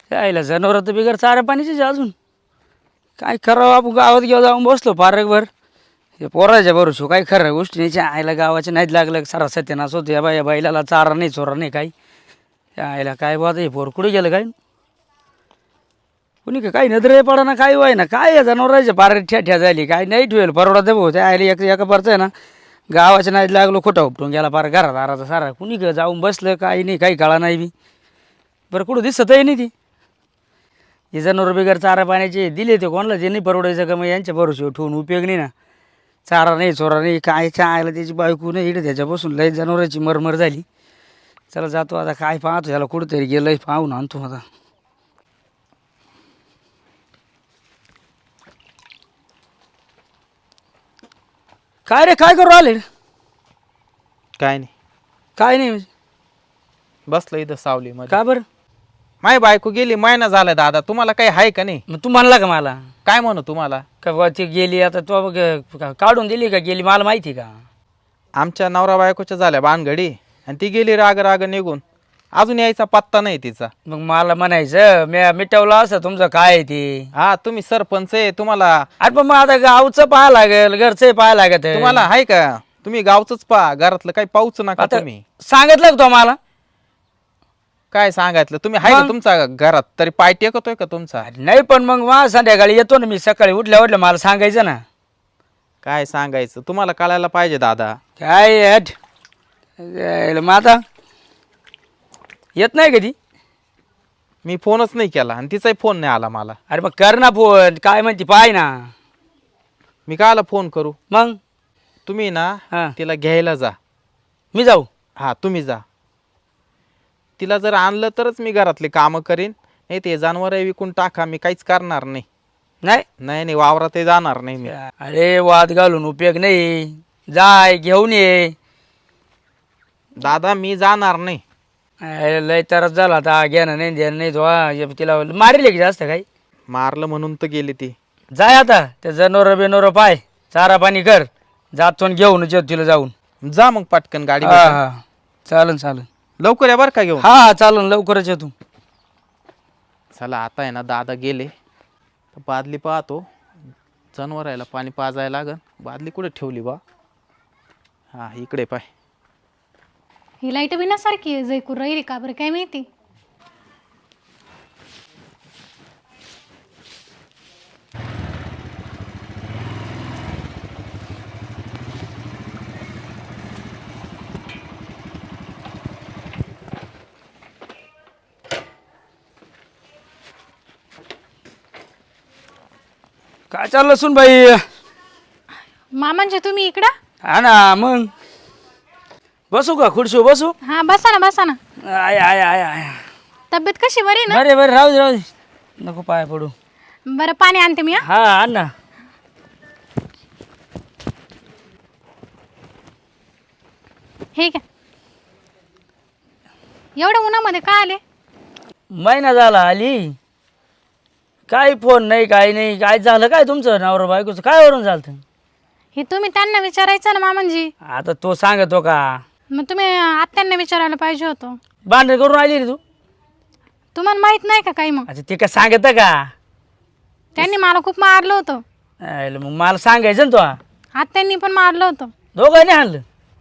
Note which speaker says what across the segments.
Speaker 1: यायला जनावर तर बिगर चारा पाणीचीच अजून काय करावं. आपण गावात घेऊ जाऊन बसलो पारकभर हे पोराच्या भरोशो काय खरं गोष्टी नाही. आयला गावाच्या नाहीत लागलं सारा सत्यानाश होतो. या बैलाला चारा नाही चोरा नाही काही. आयला काय बात हे पोर कुठे गेलं काय कुणी का काही नजरे पडा ना काय व्हाय ना काय या जनावरांच्या पार ठ्या झाली काय नाही ठेवेल परवडा दे भाऊ. त्या आयला एका परचं आहे ना गावाच्या नाहीत लागलो खोटा उपटून गेला पार घरात आराचा सारा. कुणी का जाऊन बसलं काही नाही काही काळा नाही बी. बरं कुठं दिसतही नाही ती हे जनावर बिगर चारा पाण्याचे दिले ते कोणाला जे नाही परवडायचं का मग यांच्या भरोश्यावर ठेवून उपयोग नाही ना. चारा नाही चोरा नाही काय आयला त्याची बायको नाही इकडे त्याच्यापासून लय जनावरांची मरमर झाली. चला जातो आता काय पाहतो याला कुठंतरी गेलंय पाहून आणतो आता. काय रे काय करू आले
Speaker 2: काय नाही,
Speaker 1: काय नाही म्हणजे
Speaker 2: बसलं इथं सावलीमध्ये.
Speaker 1: का बरं
Speaker 2: माय बायको गेली महिना झाला दादा, तुम्हाला काही आहे का नाही?
Speaker 1: मग तू म्हणला का मला
Speaker 2: काय म्हणू तुम्हाला?
Speaker 1: का बा ती गेली आता तो बघ काढून दिली का गेली मला माहिती का.
Speaker 2: आमच्या नवरा बायकोच्या झाल्या भानगडी आणि ती गेली राग राग निघून. अजून यायचा पत्ता नाही तिचा.
Speaker 1: मग मला म्हणायचं मी मिटवलं असं तुमचं काय आहे ते.
Speaker 2: हा तुम्ही सरपंच आहे, तुम्हाला
Speaker 1: अरे पण मग आता गावचं पाहा लागेल घरचं पाहा लागत
Speaker 2: तुम्हाला आहे का? तुम्ही गावचंच पहा, घरातलं काही पाहूच नका
Speaker 1: आता
Speaker 2: तुम्ही.
Speaker 1: सांगितलं का तो मला
Speaker 2: काय सांगायचं तुम्ही आहे का तुमचा घरात तरी पाय टेकतोय का तुमचा?
Speaker 1: नाही पण मग मला संध्याकाळी येतो ना मी सकाळी उठल्या मला सांगायचं ना.
Speaker 2: काय सांगायचं तुम्हाला कळायला पाहिजे दादा.
Speaker 1: काय हट मग आता येत नाही कधी.
Speaker 2: मी फोनच नाही केला आणि तिचाही फोन नाही आला मला.
Speaker 1: अरे मग कर ना फोन काय म्हणते पाय ना.
Speaker 2: मी कायला फोन करू?
Speaker 1: मग
Speaker 2: तुम्ही ना
Speaker 1: हा
Speaker 2: तिला घ्यायला जा.
Speaker 1: मी जाऊ.
Speaker 2: हा तुम्ही जा. तिला जर आणलं तरच मी घरातले कामं करीन, नाही ते जनावर विकून टाका, मी काहीच करणार नाही.
Speaker 1: नाही
Speaker 2: नाही नाही वावरात जाणार नाही मी.
Speaker 1: अरे वाद घालून उपयोग नाही. जाय घेऊन ये.
Speaker 2: दादा मी जाणार नाही.
Speaker 1: लय तरच झाला आता घेणं नाही देणं नाही तो तिला मारेल की जास्त काही.
Speaker 2: मारलं म्हणून तर गेली ती.
Speaker 1: जाय आता ते जनावर बिनोर पाय चारा पाणी कर जातो घेऊन येतो तिला जाऊन.
Speaker 2: जा मग पटकन गाडी
Speaker 1: हा हा चालन चालन.
Speaker 2: लवकर या बरं का घेऊन.
Speaker 1: हा चालन लवकरच येतो.
Speaker 2: चला आता आहे ना दादा गेले तर बादली पाहतो. जनावरायला पाणी पाजायला लागन. बादली कुठे ठेवली बा? हा इकडे पाय.
Speaker 3: ही लाईट बिनासारखी आहे जयकूर राहिली का बरं काय माहिती.
Speaker 1: काय चाललं सुन बाई.
Speaker 3: मामांचे तुम्ही इकडं.
Speaker 1: हा ना मग बसू का खुर्शी बसू.
Speaker 3: हा बसा ना बसा ना.
Speaker 1: आय आय आय आय
Speaker 3: तब्येत कशी बरी ना?
Speaker 1: बरे बरे राहू दे राहू दे नको पाय पडू.
Speaker 3: बरं पाणी आणते मी.
Speaker 1: हा आण ना.
Speaker 3: हे काय एवढ्या उन्हामध्ये का आले?
Speaker 1: महिना झाला आली काय फोन नाही काय नाही. काय झालं काय तुमचं नवरा बायकोचं काय वरून झालं.
Speaker 3: हे तुम्ही त्यांना विचारायचं ना मामांजी.
Speaker 1: आता तो सांगतो का.
Speaker 3: मग तुम्ही आत्यांना विचारायला पाहिजे होतं.
Speaker 1: भांडण करून आली रे तू.
Speaker 3: तुम्हाला माहित नाही का काही? मग
Speaker 1: अच्छा ते काय सांगत का.
Speaker 3: त्यांनी मला खूप मारलं होतं.
Speaker 1: मग मला सांगायचं ना तो.
Speaker 3: आत्यांनी पण मारलं होतं.
Speaker 1: दोघांनी आणलं.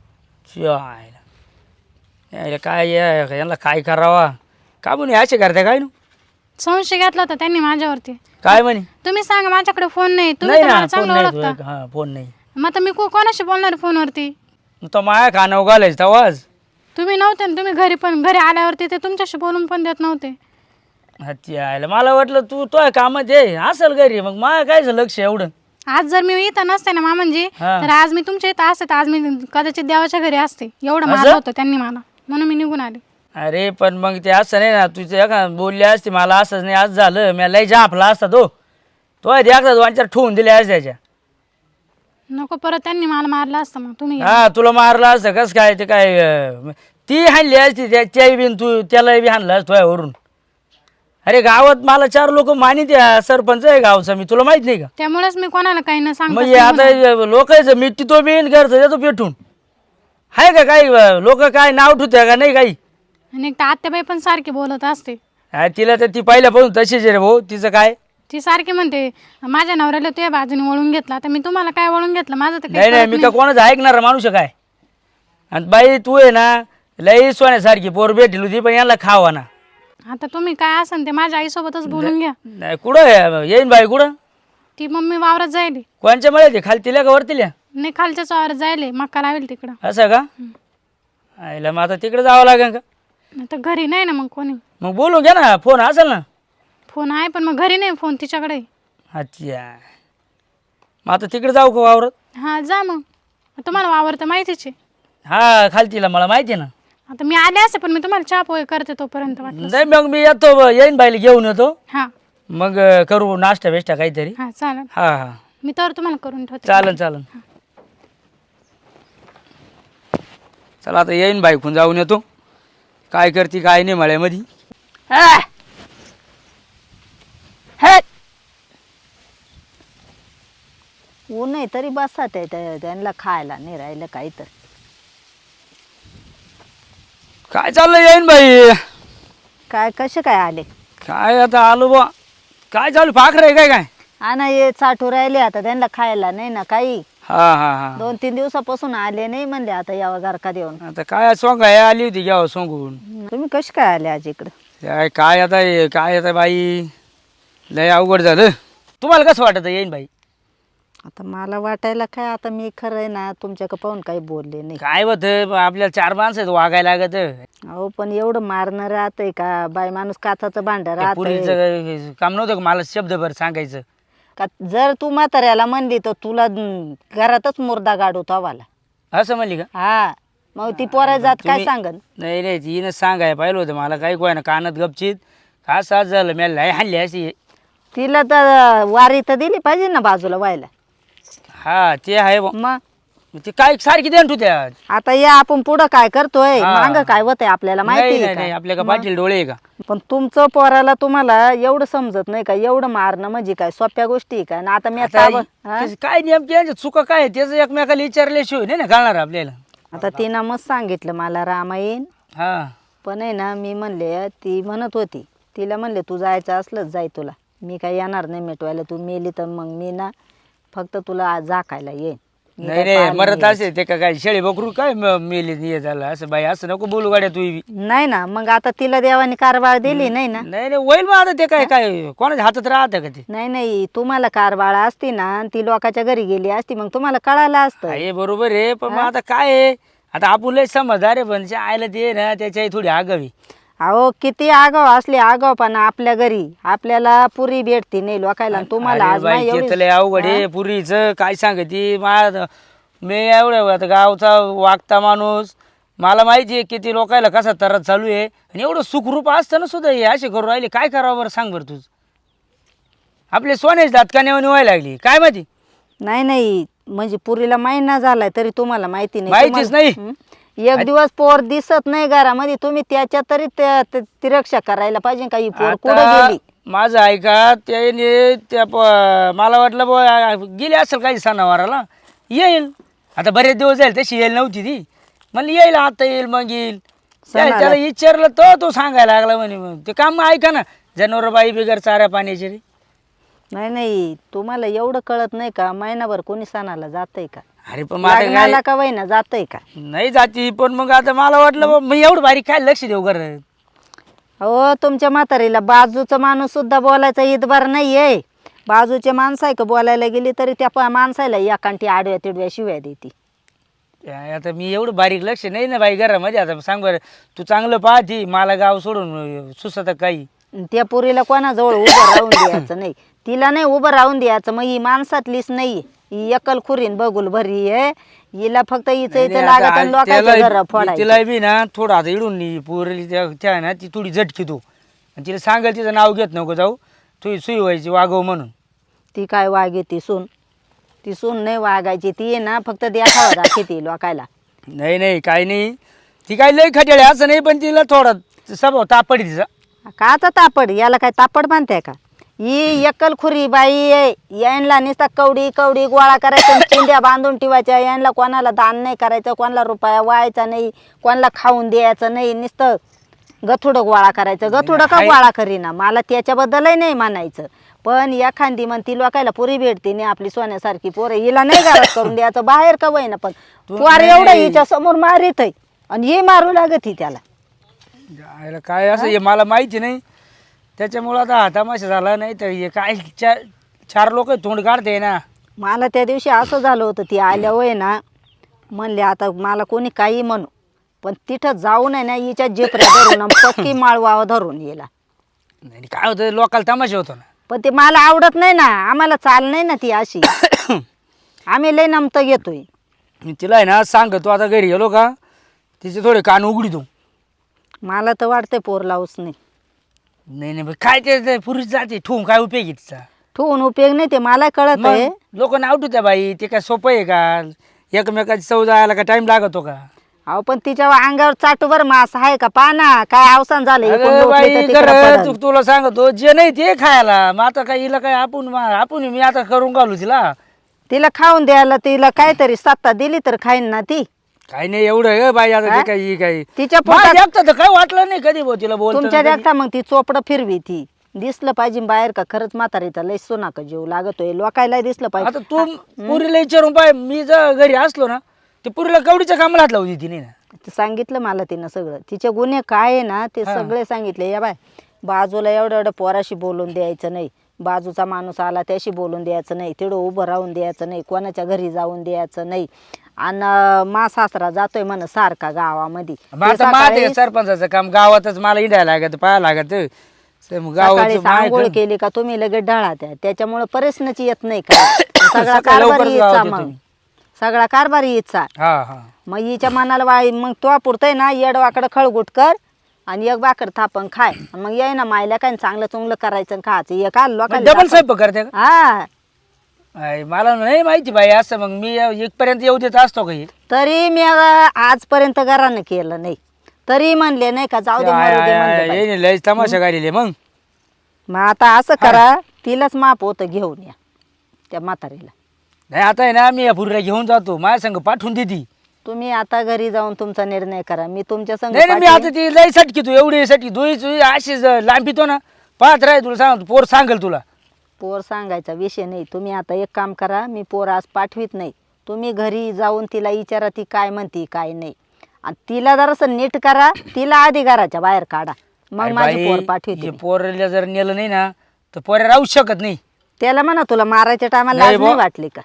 Speaker 1: काय यांना काय करावा का म्हणे असे करते काय ना.
Speaker 3: संशय घेतला होता त्यांनी माझ्यावरती.
Speaker 1: काय म्हणे.
Speaker 3: तुम्ही सांगा माझ्याकडे फोन नाही. तुम्ही
Speaker 1: नाही
Speaker 3: तर
Speaker 1: ना
Speaker 3: मला
Speaker 1: फोन
Speaker 3: चांगलं
Speaker 1: नाही
Speaker 3: ओळखता.
Speaker 1: तुझ्या- हा फोन नाही.
Speaker 3: मग आता मी कोणाशी बोलणार फोनवरती?
Speaker 1: तो माया कानावर घालायचं तवाज.
Speaker 3: तुम्ही नव्हते ना. तुम्ही घरी आल्यावरती ते तुमच्याशी बोलून पण देत नव्हते.
Speaker 1: यायला मला वाटलं तू तो कामात आहे असेल घरी. मग माया काय लक्ष एवढं.
Speaker 3: आज जर मी इथं नसते ना मामांजी
Speaker 1: हा.
Speaker 3: तर आज मी तुमच्या इथं असते. तर आज मी कदाचित देवाच्या घरी असते. एवढं
Speaker 1: असं?
Speaker 3: मारलं होतं त्यांनी मला म्हणून मी निघून आले.
Speaker 1: अरे पण मग ते असं नाही ना तुझं एका बोलली असते मला असंच नाही आज झालं मी लय जापला असता तो एकदा दोन चार ठेवून दिले असते त्याच्या.
Speaker 3: नको परत त्यांनी मला मारलं असतं. मग तुम्ही गेले.
Speaker 1: हा तुला मारलं असतं कस काय ते काय ती हाणली असती त्याच्याही बिन तू त्यालाही बी हाणलं असतं तुझ्यावरून. अरे गावात मला 4 लोक मानित सरपंच आहे गावचा मी तुला माहित नाही का.
Speaker 3: त्यामुळेच मी कोणाला काही न
Speaker 1: म्हणजे
Speaker 3: सांगतो.
Speaker 1: आता लोकांचं मी तो बिन घरचं देतो पेटून आहे का काही लोक काय नाव ठेवते का नाही काही.
Speaker 3: आणि एक तर आत्याबाई पण सारखी बोलत असते.
Speaker 1: तिला तर ती पहिल्यापासून तशीच आहे रे भाऊ. तिचं काय
Speaker 3: ती सारखी म्हणते माझ्या नवऱ्याला तुझ्या बाजूने वळून घेतला. आता मी तुम्हाला काय वळून घेतलं? माझं तर काही
Speaker 1: नाही नाही
Speaker 3: कळत
Speaker 1: मी
Speaker 3: नाही.
Speaker 1: का कोणाचं ऐकणार माणूस आहे काय. आणि बाई तू आहे ना लई सोन्यासारखी पोर भेटली होती पण याला खावा ना.
Speaker 3: आता तुम्ही काय असन ते माझ्या आईसोबतच बोलून घ्या.
Speaker 1: नाही कुठं येईन बाई कुठं?
Speaker 3: ती मम्मी वावरात जायली.
Speaker 1: कोणच्या मळे ते खालतीला का वरतील्या?
Speaker 3: नाही खालच्याच वावरात जायले, मक्का लावेल तिकडं.
Speaker 1: असं का? आईला मग आता तिकडे जावं लागेल का?
Speaker 3: आता घरी नाही ना मग कोणी.
Speaker 1: मग बोलू घ्या ना, फोन असेल ना.
Speaker 3: फोन आहे पण मग घरी नाही, फोन तिच्याकडे आहे.
Speaker 1: अच्छा मग आता तिकडे जाऊ का वावरत?
Speaker 3: हा जा मग. तुम्हाला वावर तर माहितीच आहे.
Speaker 1: हा खालतीला मला माहिती आहे ना.
Speaker 3: आता मी आले असते पण मी तुम्हाला चहा पोहे करते तोपर्यंत वाटलं.
Speaker 1: नाही मग मी येतो येईन बाईला घेऊन येतो.
Speaker 3: हा
Speaker 1: मग करू नाश्ता बिष्टा काहीतरी.
Speaker 3: हा चालेल.
Speaker 1: हा हा
Speaker 3: मी तर तुम्हाला करून ठेवते.
Speaker 1: चालन चालन. चला आता येईन बाईकून जाऊन येतो. काय करते काय नाही मळ्यामध्ये.
Speaker 4: ऊन आहे तरी बसा त्यांना खायला नाही राहिलं काही तर.
Speaker 1: काय चाललं येईन बाई?
Speaker 4: काय कसे काय आले?
Speaker 1: काय आता आलो बा. काय चालू पाखरं आहे काय काय?
Speaker 4: हा ना ये चाटू राहिले आता त्यांना खायला नाही ना काही.
Speaker 1: हा हा हा
Speaker 4: 2-3 दिवसापासून आले नाही म्हणले आता यावं घरका देऊन.
Speaker 1: आता काय सोंग आहे आली होती घ्यावं सोंगून.
Speaker 4: तुम्ही कसे काय आले आज इकडं?
Speaker 1: काय आता काय आता बाई लय अवघड झालं. तुम्हाला कसं वाटत येईन बाई?
Speaker 4: आता मला वाटायला काय आता मी खरं आहे ना तुमच्याकडे पाहून काही बोलले नाही.
Speaker 1: काय होत आपल्याला 4 माणसं आहेत वागायला लागत.
Speaker 4: अहो पण एवढं मारणं राहतंय का? बाई माणूस काचाचं भांड राहतंय
Speaker 1: पुरीचं काम नव्हतं का मला शब्दभर सांगायचं?
Speaker 4: का? जर तू म्हाताऱ्याला म्हणली तर तुला घरातच मुर्दा गाडू तवाला.
Speaker 1: असं म्हणली का?
Speaker 4: हा मग ती पोरा जात काय
Speaker 1: तुम्ही-
Speaker 4: सांगन?
Speaker 1: नाही नाही तिनं सांगाय पाहिलं होतं मला. काही कोय ना कानात गपचित का साथ झालं मी लय हाणली अशी.
Speaker 4: तिला तर वारी तर दिली पाहिजे ना बाजूला व्हायला.
Speaker 1: हा ते आहे बुवा.
Speaker 4: मग
Speaker 1: ते काय सारखी देण तू त्या.
Speaker 4: आता या आपण पुढं काय करतोय
Speaker 1: हा.
Speaker 4: मांग काय होतंय आपल्याला
Speaker 1: नाही
Speaker 4: माहिती
Speaker 1: नाही
Speaker 4: आहे
Speaker 1: नाही
Speaker 4: का?
Speaker 1: आपल्या का पाटील डोळे आहे का?
Speaker 4: पण तुमचं पोराला तुम्हाला एवढं समजत नाही का? एवढं मारणं म्हणजे काय सोप्या गोष्टी आहे का? आणि आता मी
Speaker 1: आता
Speaker 4: हा?
Speaker 1: त्याचं काय नेमकी यांच्या चुका काय त्याचं एकमेकाला विचारल्याशिवाय नाही ना कळणार आपल्याला.
Speaker 4: आता तिनं मग सांगितलं मला रामायण.
Speaker 1: हा
Speaker 4: पण आहे ना मी म्हणले ती म्हणत होती तिला म्हणले तू जायचं असलंच जाय तुला. मी काय येणार नाही मिटवायला. तू मेली तर मग मी ना फक्त तुला झाकायला येईन. मी
Speaker 1: नाही
Speaker 4: काय
Speaker 1: नाही
Speaker 4: पाहिलं
Speaker 1: मरत
Speaker 4: नाही.
Speaker 1: असे ते का काय शेळी बकरू काय मेली हे झालं असं बाई असं नको बोलू गाड्या तू बी.
Speaker 4: नाही ना मग आता तिला देवाने कारभार दिली नाही ना.
Speaker 1: नाही नाही होईल मग आता ते काय काय कोणाच्या हातात राहतं का ते?
Speaker 4: नाही नाही तुम्हाला कारभार असती ना आणि ती लोकांच्या घरी गेली असती मग तुम्हाला कळालं असतं.
Speaker 1: हे बरोबर आहे पण मग आता काय आहे आता आपण लय समजदार आहे पण आयला ते ना त्याच्याही थोडी आगावी.
Speaker 4: अहो किती आगाव असले आगावपणा आपल्या घरी आपल्याला पुरी भेटती नाही लोकायला आणि तुम्हाला
Speaker 1: अरे
Speaker 4: आज
Speaker 1: बाई,
Speaker 4: नाही
Speaker 1: ते
Speaker 4: एवढी-
Speaker 1: तर लय अवघड आहे पुरीचं काय सांगती मी एवढं आता गावचा वागता माणूस मला माहिती आहे किती लोकायला कसा त्रास चालू आहे आणि एवढं सुखरूप असताना सुद्धा हे असे करू राहिले. काय करावं बरं सांग बरं तुझं. आपले सोन्याची दात का नेऊन व्हायला लागली काय माहिती?
Speaker 4: नाही नाही म्हणजे पुरीला महिना झालाय तरी तुम्हाला माहिती नाही.
Speaker 1: माहितीच
Speaker 4: तुम्हाला-
Speaker 1: नाही.
Speaker 4: हं? एक दिवस पोर दिसत नाही घरामध्ये तुम्ही त्याच्या तरी ती रक्षा करायला पाहिजे का? ही पोर कुठे
Speaker 1: आता
Speaker 4: गेली?
Speaker 1: माझं ऐका त्याने त्या मला वाटलं बुवा गेली असेल काही सणावाराला येईल. आता बरेच दिवस जाईल तशी येईल नव्हती ती. म्हणलं येईल आता येईल मग येईल. त्याला विचारलं तो सांगायला लागला म्हणे मग ते काम ऐका ना जनावर बाई बिगर चाऱ्या पाण्याची रे.
Speaker 4: नाही नाही तुम्हाला एवढं कळत नाही का? महिनाभर कोणी सणाला जातंय का?
Speaker 1: अरे पण माझं
Speaker 4: लग्नाला
Speaker 1: काय
Speaker 4: का वहिना जातंय का?
Speaker 1: नाही जाती पण मग आता मला वाटलं बुवा, मी एवढं बारीक काय लक्ष देऊ कर.
Speaker 4: हो तुमच्या म्हातारीला बाजूचा माणूस सुद्धा बोलायचा इतबार नाहीये. बाजूचे माणसं आहे का बोलायला गेली तरी त्या माणसाला एकांटी आडव्या तिडव्या शिव्या देते.
Speaker 1: आता मी एवढं बारीक लक्ष नाही ना बाई घरामध्ये. आता सांग बरं तू चांगलं पाहती मला गाव सोडून सुसत काही.
Speaker 4: त्या पुरीला कोणाजवळ उभं राहून द्यायचं नाही. तिला नाही उभं राहून द्यायचं. मग ही माणसातलीच नाही. ही एकल खुरीन बघुल भरी आहे. हिला फक्त हिचं इथं लागत आणि लोकांच्या घर फोडायचं.
Speaker 1: तिला बी ना थोडं आता इडून पोरली त्या ना ती थोडी झटकी तू आणि तिला सांगाल तिचं नाव घेत नको जाऊ तू सुई व्हायची वागव म्हणून.
Speaker 4: ती काय वागे ती सून? ती सून नाही वागायची. ती आहे ना फक्त देखावा दाखवते लोकायला.
Speaker 1: नाही नाही काही नाही ती काही लई खटेळे असं नाही पण तिला थोडा स्वभाव तापडी तिचा.
Speaker 4: काचा तापड? याला काय तापड मानते का? ही एकल खुरी बाई आहे. यांना नुसता कवडी कवडी गोळा करायचं आणि चिंध्या बांधून ठेवायच्या. यांना कोणाला दान नाही करायचं, कोणाला रुपया व्हायचा नाही, कोणाला खाऊन द्यायचं नाही. नुसतं गथुडं गोळा करायचं. गथुडं का गोळा करीना, मला त्याच्याबद्दलही नाही म्हणायचं, पण एखादी म्हणती लोकायला पुरी भेटते नाही आपली सोन्यासारखी पोरं, हिला नाही घरात करून द्यायचं, बाहेर का वय ना, पण पोर एवढं हिच्या समोर मारित आहे आणि हे मारू लागत ही त्याला.
Speaker 1: जायला काय असं हे मला माहिती नाही, त्याच्यामुळं आता हा तमाशा झाला. नाही तर हे काय चार लोक तोंड काढते ना.
Speaker 4: मला त्या दिवशी असं झालं होतं, ती आल्यावर ना म्हणले आता मला कोणी काही म्हणू, पण तिथं जाऊन आहे ना हिच्या जेपऱ्या धरून पक्की माळवा धरून येला.
Speaker 1: नाही काय होतं लोकाला तमाशा होतो ना.
Speaker 4: पण ते मला आवडत नाही ना, आम्हाला चाल नाही ना ती अशी. आम्ही लय नमत घेतोय.
Speaker 1: मी तिला आहे ना सांगतो आता घरी गेलो का तिचे थोडे कान उघडितो.
Speaker 4: मला तर वाटतंय पोर लावूच नाही.
Speaker 1: नाही नाही काय ते पुरुष जाते ठेवून काय उपयोग आहे तिचा.
Speaker 4: ठेवून उपयोग नाही, ते मला कळत आहे.
Speaker 1: लोक नाव ठेवत्या बाई, ते काय सोपं आहे का? एकमेकाची चव जायला का टाइम लागतो का?
Speaker 4: अहो पण तिच्या अंगावर चाटूवर मास आहे का? पाना काय अवसान झालं, इकडून
Speaker 1: अगं
Speaker 4: लोटले तर
Speaker 1: बाई
Speaker 4: तिकडं
Speaker 1: खरं
Speaker 4: पडलं.
Speaker 1: तुला सांगतो जे नाही ते खायला. मग आता काय हिला काय आपण मी आता करून घालू तिला.
Speaker 4: तिला खाऊन द्यायला तिला काहीतरी सत्ता दिली तर खाईन ना ती.
Speaker 1: काही नाही एवढं ग बाई, आता ते काही काही
Speaker 4: तिच्या
Speaker 1: माझ्या एकटं तर काय वाटलं नाही कधी भाऊ तिला बोलतो
Speaker 4: तुमच्या देखता मग ती चोपडं फिरवी ती. दिसलं पाहिजे बाहेर का खरंच म्हातारीचा लय सोनाका जीव लागतोय, लोकायला दिसलं
Speaker 1: आता
Speaker 4: पाहिजे.
Speaker 1: तू पुरीला विचारून पाय, मी जर घरी असलो ना ते पुरीला कवडीच्या कामाला हात लावली तिने ना.
Speaker 4: ते सांगितलं मला तिनं सगळं, तिचे गुन्हे काय आहे ना ते सगळे सांगितले. या बाय बाजूला एवढं एवढं पोराशी बोलून द्यायचं नाही, बाजूचा माणूस आला त्याशी बोलून द्यायचं नाही, तिथं उभं राहून द्यायचं नाही, कोणाच्या घरी जाऊन द्यायचं नाही. आणि मा सासरा जातोय म्हण सारखा गावामध्ये.
Speaker 1: मग आता माझं सरपंचाचं काम गावातच मला इंडायला लागत पाहायला लागत.
Speaker 4: सकाळी आंघोळ केली का तुम्ही लगेच ढळा त्या, त्याच्यामुळे परेशनच येत नाही का. सगळा कारभार हिचा, मग सगळा कारभार हिचा.
Speaker 1: हा हा
Speaker 4: मग हिच्या मनाला वाळी, मग तो पुरतय ना येडवाकडं खळगुट कर आणि एक भाकर थापण खाय. मग ये ना मायला काय चांगलं चुंगलं करायचं खायचं हे का लोकांना.
Speaker 1: डबल स्वयंपाक करते का?
Speaker 4: हा
Speaker 1: मला नाही माहिती बाई असं. मग मी इथपर्यंत येऊ देत असतो काही.
Speaker 4: तरी मी आजपर्यंत घरानं केलं नाही, तरी म्हणले नाही का जाऊ दे मरू दे म्हणले बाई.
Speaker 1: लय तमाशा गाडीले मग.
Speaker 4: मग आता असं करा, तिलाच माप होतं घेऊन या त्या म्हातारीला.
Speaker 1: नाही आता आहे ना मी या पुरीला घेऊन जातो, माझ्या संग पाठवून देती.
Speaker 4: तुम्ही आता घरी जाऊन तुमचा निर्णय करा, मी तुमच्या संग
Speaker 1: नाही मी आता ती लय सटकी तू एवढी सटकी दुई अशीच लांबीतो ना पाहत राह. तुला सांग पोर सांगेल तुला.
Speaker 4: पोर सांगायचा विषय नाही. तुम्ही आता एक काम करा, मी पोर आज पाठवीत नाही. तुम्ही घरी जाऊन तिला विचारा ती काय म्हणती काय नाही, आणि तिला जरासं नीट करा. तिला आधी घराच्या बाहेर काढा, मग माझी पोर पाठवते.
Speaker 1: पोरला जर नेलं नाही ना तर पोऱ्या राहू शकत नाही.
Speaker 4: त्याला म्हणा तुला मारायच्या टायमाला लाज नाही वाटली का?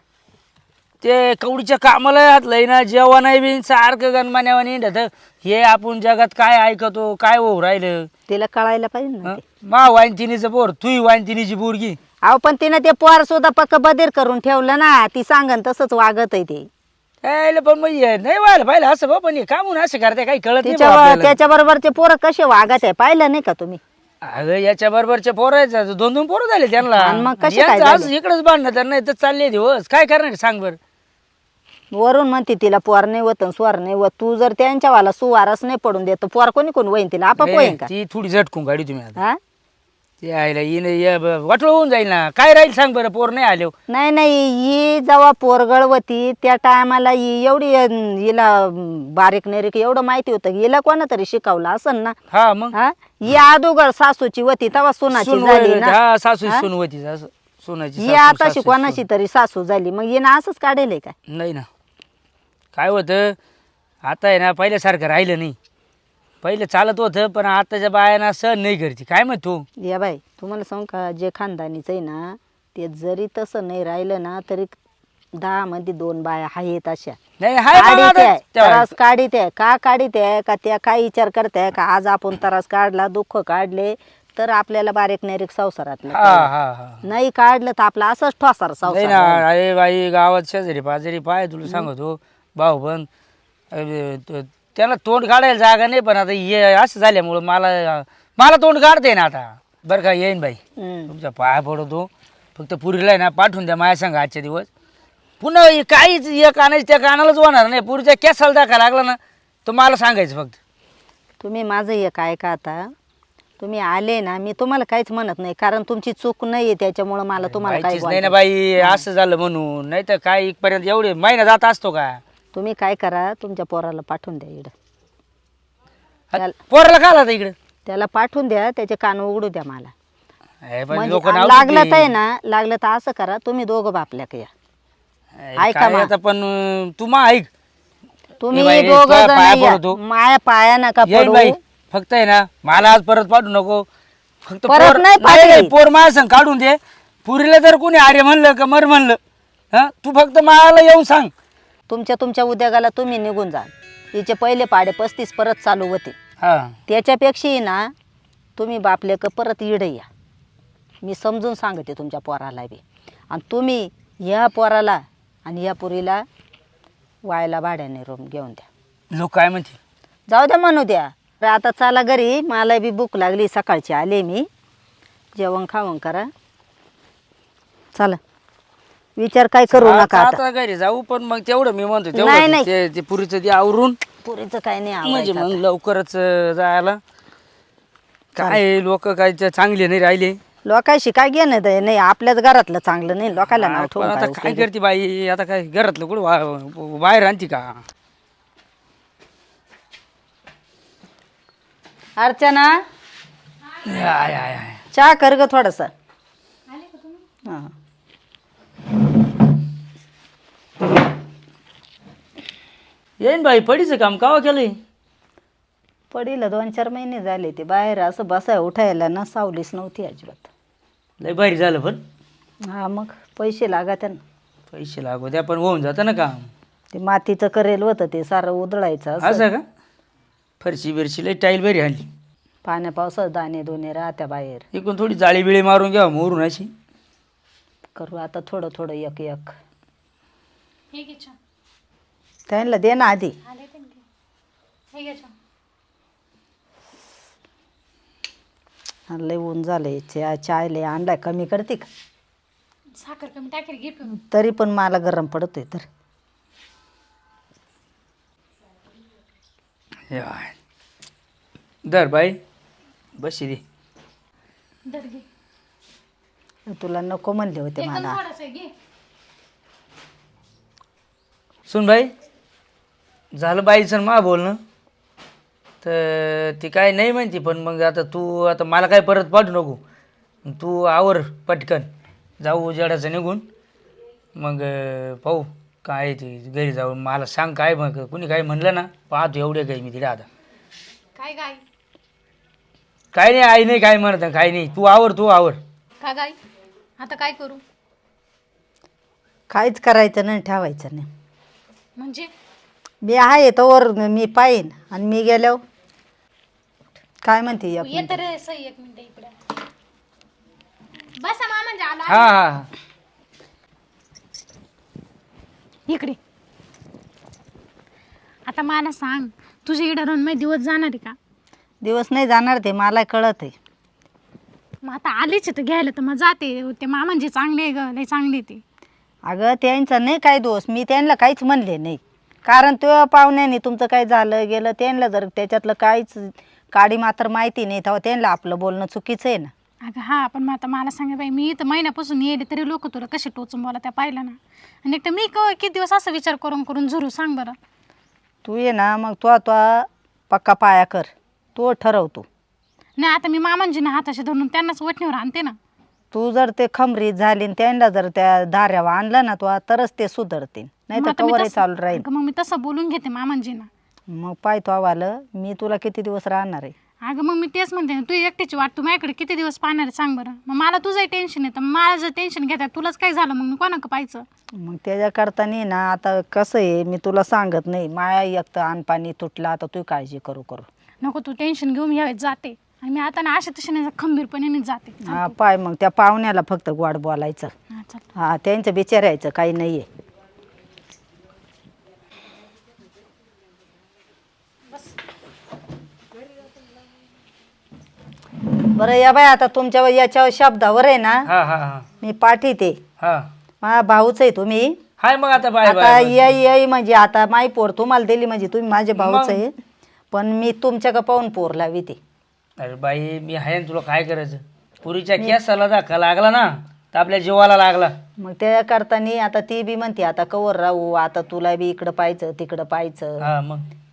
Speaker 1: ते कवडीच्या कामाला घातलंय ना, जेव्हा नाही बिन सारखं गणमान्यावर निंडत. हे आपण जगात काय ऐकतो काय होऊ राहिलं
Speaker 4: तिला कळायला पाहिजे ना ते.
Speaker 1: मा वाईनतिनीचं पोर तुही वाईनतिनीची पोरगी.
Speaker 4: अहो पण तिनं ते पोर सुद्धा पक्क बधीर करून ठेवलं ना, ती सांगन तसंच वागत आहे ते.
Speaker 1: पण मग नाही व्हायला पाहिलं असं बा. पण हे का म्हणून असं करते काही कळत नाही बा
Speaker 4: तिच्या
Speaker 1: आपल्याला.
Speaker 4: त्याच्या बरोबरचे पोरं कसे वागत आहे पाहिलं नाही का तुम्ही?
Speaker 1: अगं याच्या बरोबरचे पोरायचं 2-2 पोरं झाले त्यांना.
Speaker 4: आणि मग कसे काय
Speaker 1: यांचं
Speaker 4: झाले?
Speaker 1: आज इकडेच बांधणं तर नाही तर चालले दिवस काय करणार सांग बर.
Speaker 4: वरून म्हणते तिला पोर नाही होत स्वर नाही होत. तू जर त्यांच्या वाला सुवारच नाही पडून देत पोर कोणी कोण वहीन तिला आपाप वहीन का?
Speaker 1: ती थोडी झटकून गाडी तुम्ही आता.
Speaker 4: हा
Speaker 1: ते आईला वाटलं होऊन जाईल ना. काय राहील सांग बरं पोर नाही आलो.
Speaker 4: नाही नाही, ही जेव्हा पोरगळ होती त्या टायमाला ही एवढी हिला बारीक नेरीक एवढं माहिती होतं की हिला कोणा तरी शिकवलं असन ना.
Speaker 1: हा मग
Speaker 4: हा ही अदोगर सासूची होती तेव्हा सुनाची झाली ना.
Speaker 1: हा सासू सून होती सोनाची
Speaker 4: ही आताशी कोणाशी तरी सासू झाली, मग हिनं असंच काढेल का?
Speaker 1: नाही ना. काय होतं आता आहे ना पहिल्यासारखं राहिलं नाही. पहिलं चालत होतं पण आताच्या बायांना सहन नाही करते. काय मग तू
Speaker 4: या बाई तुम्हाला सांगू का, जे खानदानीच आहे ना ते जरी तसं नाही राहिलं ना तरी 10 मध्ये 2 बाया आहेत अशा.
Speaker 1: नाही हाय बघा
Speaker 4: काढीत आहे,
Speaker 1: आता. तेव्हा-
Speaker 4: त्रास काढीत आहे का काढीत आहे का त्या काय विचार करते का आज आपण त्रास काढला दुःख काढले तर आपल्याला बारीक नेरीक संसारातलं
Speaker 1: हा हा हा
Speaker 4: नाही काढलं तर आपला असंच ठोसार
Speaker 1: नाही
Speaker 4: संसार
Speaker 1: ना.
Speaker 4: राहील.
Speaker 1: अरे बाई गावात शेजारी पाजारी पाय तुला सांगतो भाऊ पण त्याला तोंड काढायला जागा नाही. पण आता हे असं झाल्यामुळं मला तोंड काढते ना आता. बरं का येईन बाई
Speaker 4: हम्म.
Speaker 1: तुमच्या पाया पडतो. फक्त पुरीला आहे ना पाठवून द्या माझ्या संग आजच्या दिवस. पुन्हा हे काहीच एक आणायचं त्या कानालाच होणार नाही. पुरीच्या केसाला दाखवा लागला ना तर मला सांगायचं फक्त.
Speaker 4: तुम्ही माझं एक ऐका आता. तुम्ही आले ना मी तुम्हाला काहीच म्हणत नाही कारण तुमची चूक नाहीये त्याच्यामुळं मला तुम्हाला काही
Speaker 1: माहितीच नाही ना बाई असं झालं म्हणून. नाही तर काय इथपर्यंत एवढे महिना जात असतो का?
Speaker 4: तुम्ही काय करा तुमच्या पोराला पाठवून द्या इकडं.
Speaker 1: पोराला का आला इकडे?
Speaker 4: त्याला पाठवून द्या, त्याचे कान उघडू द्या मला.
Speaker 1: हे पण
Speaker 4: म्हणजे
Speaker 1: लोकं नाव
Speaker 4: लागलं
Speaker 1: देतील.
Speaker 4: तर आहे ना, लागलं तर असं करा, तुम्ही दोघं बापल्याक या. ऐका
Speaker 1: काय
Speaker 4: मा.
Speaker 1: आता पण तू मा ऐक
Speaker 4: तुम्ही
Speaker 1: बाई,
Speaker 4: दोघं
Speaker 1: तुझ्या
Speaker 4: जण
Speaker 1: पाया
Speaker 4: या.
Speaker 1: पडतो.
Speaker 4: माया पाया नका
Speaker 1: येईन
Speaker 4: पडू.
Speaker 1: बाई फक्त आहे ना मला आज परत पाठवू नको. फक्त
Speaker 4: परत नाही पाठवी.
Speaker 1: पोर माझ्या संग काढून दे. पुरीला जर कोणी आर्य म्हणलं का मर म्हणलं हा तू फक्त मला येऊन सांग.
Speaker 4: तुमच्या उद्योगाला तुम्ही निघून जा. हिचे पहिले पाडे 35 परत चालू होते.
Speaker 1: हा
Speaker 4: त्याच्यापेक्षाही ना तुम्ही बापलेक परत इडे या. मी समजून सांगते तुमच्या पोराला बी. आणि तुम्ही या पोराला आणि या पुरीला वायला भाड्याने रूम घेऊन द्या.
Speaker 1: लोक काय म्हणते
Speaker 4: जाऊ द्या म्हणू द्या. तर आता चला घरी, मला बी भूक लागली, सकाळची आले मी. जेवण खावण करा, चला. विचार काय करू नका आता.
Speaker 1: आता घरी जाऊ पण मग तेवढं मी म्हणतो
Speaker 4: नाही,
Speaker 1: तेवढं
Speaker 4: नाही.
Speaker 1: ते पुरीचं ते आवरून
Speaker 4: पुरीचं काय नाही
Speaker 1: म्हणजे
Speaker 4: आवडायचं
Speaker 1: मग
Speaker 4: आता.
Speaker 1: लवकरच जायला. काय लोक काय चांगले नाही राहिले.
Speaker 4: लोकांशी काय घेणं देणं नाही, आपल्याच घरातलं चांगलं नाही, लोकांना नाव
Speaker 1: पण
Speaker 4: ठेवून
Speaker 1: आता
Speaker 4: काय
Speaker 1: काय
Speaker 4: उपयोग आहे?
Speaker 1: करते बाई. आता काय घरातलं कुठं बाहेर आणते का.
Speaker 4: अर्चना,
Speaker 1: आय, आय, आय.
Speaker 4: चहा कर ग थोडस. हां.
Speaker 1: येईन बाई पडीचं काम कावा केलंय.
Speaker 4: पडीला 2-4 महिने झाले. ते बाहेर असं बसाय उठायला ना सावलीच नव्हती अजिबात.
Speaker 1: लय भारी झालं पण
Speaker 4: हा मग पैसे लागत ना.
Speaker 1: पैसे लागू द्या पण होऊन जातं ना काम.
Speaker 4: ते मातीचं करेल होतं ते सारं उधळायचं असं.
Speaker 1: असं का फरशी बिरशी लय टाईल बरी आणली.
Speaker 4: पाण्या पावसात दाणे दोने राहत्या बाहेर.
Speaker 1: इकडून थोडी जाळी बिळी मारून घ्या मोरून अशी.
Speaker 4: करू आता थोडं थोडं एक एक.
Speaker 3: हे घे चहा.
Speaker 4: त्यांना दे ना आधी.
Speaker 3: आले ते घे. हे घे चहा.
Speaker 4: हा, लय ऊन झालंय. चाय लय आणलाय, कमी करते का?
Speaker 3: साखर कमी टाकेल, घे पिऊन.
Speaker 4: तरी पण मला गरम पडतोय तर.
Speaker 1: याय. दर बाई बशी दे.
Speaker 3: दर घे.
Speaker 4: तुला नको म्हणले होते
Speaker 3: एकदम
Speaker 4: मला.
Speaker 3: थोडंसं आहे, घे.
Speaker 1: सुन बाई झालं बाईचं मा बोलणं तर ती काय नाही म्हणते. पण मग आता मला काय परत पाठवू नको. तू आवर पटकन जाऊ उजेडाचं निघून. मग पाहू काय ते घरी जाऊन मला सांग. काय मग कुणी काय म्हणलं ना पाहतो एवढे काही मी तिला आता.
Speaker 3: काय गाय
Speaker 1: काय नाही आई नाही काय म्हणत काय नाही. तू आवर.
Speaker 3: का गाय आता काय करू
Speaker 4: काहीच करायचं नाही, ठेवायचं नाही.
Speaker 3: म्हणजे
Speaker 4: मी आहे तोवर मी पाहीन आणि मी गेल्यावर काय म्हणते एक
Speaker 3: ये
Speaker 4: मिनिट.
Speaker 3: तर सही 1 मिनिट इकडे बसा मा म्हणजे आला
Speaker 1: हा हा
Speaker 3: इकडे. आता मला सांग, तुझ्या इकडे राहून माझे दिवस जाणार आहे का?
Speaker 4: दिवस नाही जाणार, ते मला कळत आहे.
Speaker 3: मग आता आलीच तर घ्यायला तर मग जाते. ते मामांजी चांगले आहे ग, लय चांगले ते.
Speaker 4: अगं त्यांचा नाही काय दोष, मी त्यांना काहीच म्हणले नाही. कारण तो पाहुण्याने तुमचं काय झालं गेलं त्यांना जर त्याच्यातलं काहीच काडी मात्र माहिती नाही तेव्हा त्यांना आपलं बोलणं चुकीचं आहे ना.
Speaker 3: अगं हा, पण मग आता मला सांगा बाई, मी इथं महिन्यापासून येले तरी लोक तुला कसे टोचून बोला त्या पाहिलं ना. आणि एक तर मी किती दिवस असा विचार करून झुरू सांग बरं.
Speaker 4: तू ये ना मग तो पक्का पाया कर, तो ठरवतो.
Speaker 3: नाही आता मी मामांजीना हाताशी धरून त्यांनाच वठणीवर आणते ना.
Speaker 4: तू जर ते खमरीत झाली आणि त्यांना जर त्या धाऱ्यावर आणलं ना तो तरच ते सुधारतील, नाही
Speaker 3: मग
Speaker 4: तर
Speaker 3: आता मी
Speaker 4: कवरही
Speaker 3: तसं-
Speaker 4: चालू राहील.
Speaker 3: अगं मग मी तसं बोलून घेते मामांजीना.
Speaker 4: मग पाय तो आवालं मी तुला किती दिवस राहणार आहे.
Speaker 3: अगं मग मी तेच म्हणते ना, तू एकटीची वाट, तू माझ्याकडे किती दिवस पाहणार आहे सांग बरं. मग मला तुझंही टेन्शन येतं, मला जर टेन्शन घेतात तुलाच काय झालं मग मी कोणाकडे पाहायचं.
Speaker 4: मग त्याच्याकरता नाही ना, आता कसं आहे मी तुला सांगत नाही, माया एक तर अनपाणी तुटला, आता तू काळजी करू
Speaker 3: नको तू टेन्शन घेऊन मी यावेळेस जाते. आणि मी आता ना अशा तशा खंबीरपणे जाते.
Speaker 4: हा पाय मग त्या पाहुण्याला फक्त गोड बोलायचं.
Speaker 3: हा चल.
Speaker 4: हा त्यांचं बिचारायचं काही नाही आहे. बरं या बाय, आता तुमच्या याच्या शब्दावर आहे ना
Speaker 1: हा हा हा
Speaker 4: मी पाठीते.
Speaker 1: हा
Speaker 4: माझा भाऊच आहे तुम्ही.
Speaker 1: हाय मग आता बाय
Speaker 4: आता
Speaker 1: बाय
Speaker 4: येई म्हणजे आता माई पोर तुम्हाला दिली म्हणजे तुम्ही माझे भाऊच
Speaker 1: मग.
Speaker 4: आहे. पण मी तुमच्या का पाहून पोर लावी ते.
Speaker 1: अरे बाई मी आहे ना, तुला काय करायचं. पुरीच्या केसाला धक्का लागला ना तर आपल्या जीवाला लागला.
Speaker 4: मग त्या करताना आता ती बी म्हणते आता कवर राहू, आता तुला बी इकडं पाहायचं तिकडं पाहायचं.
Speaker 1: हा मग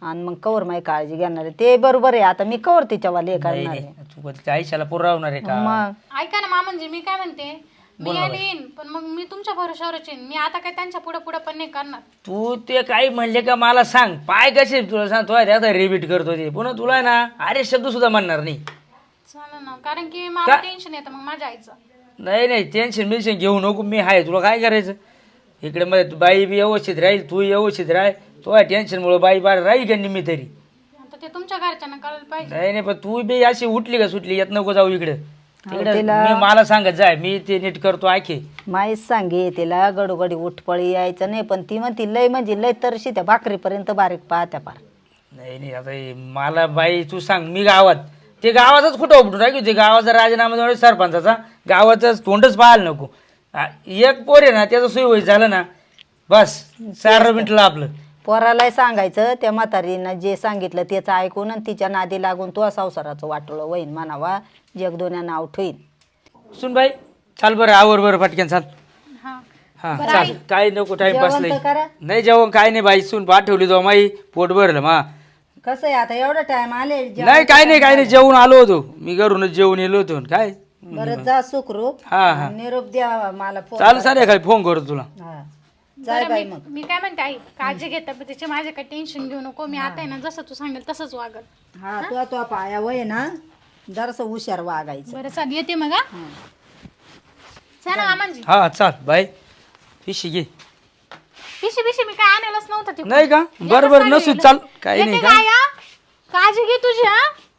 Speaker 4: आणि मग कवर माझी काळजी घेणार आहे ते बरोबर आहे. आता मी कवर तिच्यावाले हे
Speaker 1: नाही
Speaker 4: करणार आहे.
Speaker 1: नाही तू त्या आयुष्याला पुरवणार आहे का?
Speaker 4: मग
Speaker 3: ऐका ना मामांजी, मी काय म्हणते, मी आले येईन पण मग मी तुमच्या भरोशावरच येईन. मी आता काय त्यांच्या पुढे पुढे पण नाही करणार.
Speaker 1: तू ते काही म्हणले का मला सांग, पाय कसे तुला सांगतो आता रिपीट करतो ते पुन्हा तुला ना अरे शब्द सुद्धा म्हणणार नाही.
Speaker 3: चालेल ना, कारण की मला टेन्शन येतं मग माझ्या आईचं.
Speaker 1: नाही नाही टेन्शन बिन्शन घेऊ नको, मी आहे तुला काय करायचं इकडे मध्ये बाई बी व्यवस्थित राहील तू व्यवस्थित राह. तो टेन्शनमुळे बाई बार राहील का निम्मी तरी.
Speaker 3: आता ते तुमच्या घरच्यांना कळलं पाहिजे.
Speaker 1: नाही नाही पण तू बी अशी उठली का सुटली येत नको जाऊ इकडे तिकडे. मी मला सांगत जाय मी ते नीट करतो आखे.
Speaker 4: माहीच सांगे तिला गडोगडी उठपळी यायचं नाही पण ती म्हणती लय म्हणजे लय तरशी त्या भाकरीपर्यंत बारीक पाहत्या पार.
Speaker 1: नाही नाही आता हे मला बाई तू सांग मी गावात ते गावातच कुठं उपटून राखी होते गावाचा राजीनामा देऊन सरपंचाचा गावातच तोंडच पाहायला नको. एक पोर आहे ना त्याचं सोय झालं ना बस 4 मिनिटला आपलं.
Speaker 4: पोरालाही सांगायचं त्या म्हातारीनं जे सांगितलं त्याचं ऐकून आणि तिच्या नादी लागून तो संसाराचं वाटोळं होईन म्हणावा जगदोन्या नाव ठेवीन.
Speaker 1: सुन बाई चाल बरं आवर बरं पटकन चाल.
Speaker 3: हा
Speaker 1: हा चाल काय नको टाइमपास
Speaker 4: जेवण तर
Speaker 1: नाही.
Speaker 4: करा.
Speaker 1: नाही जेवण काय नाही बाई सून पाठवली तो माई पोट भरलं मा.
Speaker 4: कसं आहे आता एवढा टाइम आले
Speaker 1: नाही काय नाही जेवून आलो होतो मी घरूनच जेवून येलो होतो काय.
Speaker 4: बरं जा सुखरूप
Speaker 1: हा हा
Speaker 4: निरोप द्या मला फोन
Speaker 1: चाल सारे काय फोन करतो तुला.
Speaker 4: हा जाय बाई मग.
Speaker 3: मी काय म्हणते आई, काळजी घे तब्येतीची, माझे काही टेन्शन घेऊ नको. मी आता आहे ना जसं तू सांगेल तसंच वागल.
Speaker 4: हा तो पाया वय ना जरासं हुशार वागायचं.
Speaker 3: बरं चाल येते मग. हा चला मामांजी.
Speaker 1: हा चाल बाई पिशी घे.
Speaker 3: पिशी पिशी मी काय आणलंच नव्हतं ते.
Speaker 1: नाही का बरं बरं नसू चाल काही नाही
Speaker 3: येते
Speaker 1: का.
Speaker 3: काय हा? काळजी घे तुझी. हा